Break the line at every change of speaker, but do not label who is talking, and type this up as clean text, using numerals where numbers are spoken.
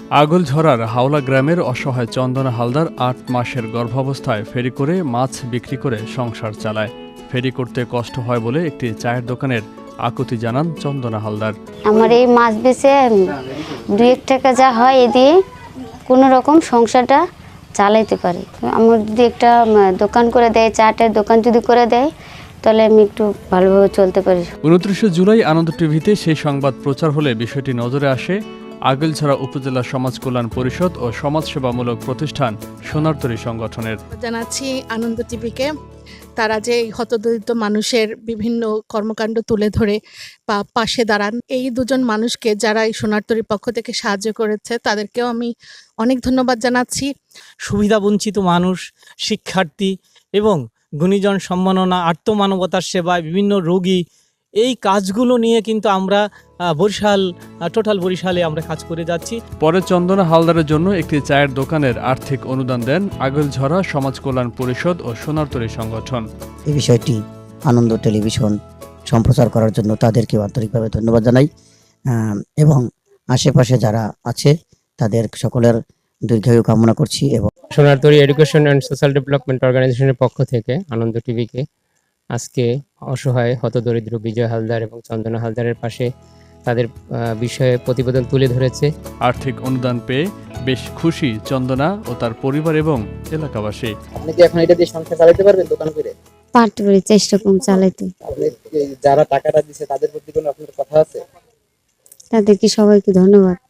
আগলঝরার হাওলা গ্রামের অসহায় চন্দনা হালদার ৮ মাসের গর্ভাবস্থায় ফেরি করে মাছ বিক্রি করে সংসার চালায়। ফেরি করতে কষ্ট হয় বলে একটি চায়ের দোকানের আকুতি জানান চন্দনা হালদার।
আমার এই মাছ বেচে 2-1 টাকা যা হয় এ দিয়ে কোনো রকম সংসারটা চালাইতে পারি। আমার যদি একটা দোকান করে দেয়, চাটের দোকান যদি করে দেয়, তাহলে আমি একটু ভালোভাবে চলতে পারি।
29 জুলাই আনন্দ টিভিতে সেই সংবাদ প্রচার হলে বিষয়টি নজরে আসে আগলঝরা উপজেলা সমাজ কল্যাণ পরিষদ ও সমাজসেবামূলক প্রতিষ্ঠান সোনারতরী সংগঠনের।
জানাচ্ছি আনন্দ টিভিকে, তারা যে হতদরিদ্র মানুষের বিভিন্ন কর্মকাণ্ড তুলে ধরে পাশে দাঁড়ান, এই দুজন মানুষকে যারা এই সোনারতরীর পক্ষ থেকে সাহায্য করেছে তাদেরকেও আমি অনেক ধন্যবাদ জানাচ্ছি।
সুবিধাবঞ্চিত মানুষ, শিক্ষার্থী এবং গুণীজন সম্মাননা, আত্মমানবতার সেবায় বিভিন্ন রোগী, এই কাজগুলো নিয়ে কিন্তু আমরা বরিশালে আমরা কাজ করে যাচ্ছি।
পরে চন্দনা হালদারের জন্য একটি চায়ের দোকানের আর্থিক অনুদান দেন আগলঝরা সমাজ কল্যাণ পরিষদ ও সোনারতরী সংগঠন।
এই বিষয়টি আনন্দ টেলিভিশন সম্প্রচার করার জন্য তাদেরকে আন্তরিকভাবে ধন্যবাদ জানাই এবং আশেপাশে যারা আছে তাদের সকলের দীর্ঘায়ু কামনা করছি। এবং
Sonartori education and social development অর্গানাইজেশনের পক্ষ থেকে আনন্দ টিভিকে আজকে অসহায় হতদরিদ্র বিজয় হালদার এবং চন্দনা হালদারের পাশে তাদের বিষয়ে প্রতিবেদন তুলে ধরেছে।
আর্থিক অনুদান পেয়ে বেশ খুশি চন্দনা ও তার পরিবার এবং এলাকাবাসী।
আপনি কি এখন এটা দিয়ে সংসার চালাতে পারবেন দোকান করে?
পারতে পারি, চেষ্টা কম চালাইতে।
আপনি যারা টাকাটা দিছে তাদের প্রতি কোনো আপনার কথা আছে?
তাদেরকে সবাইকে ধন্যবাদ।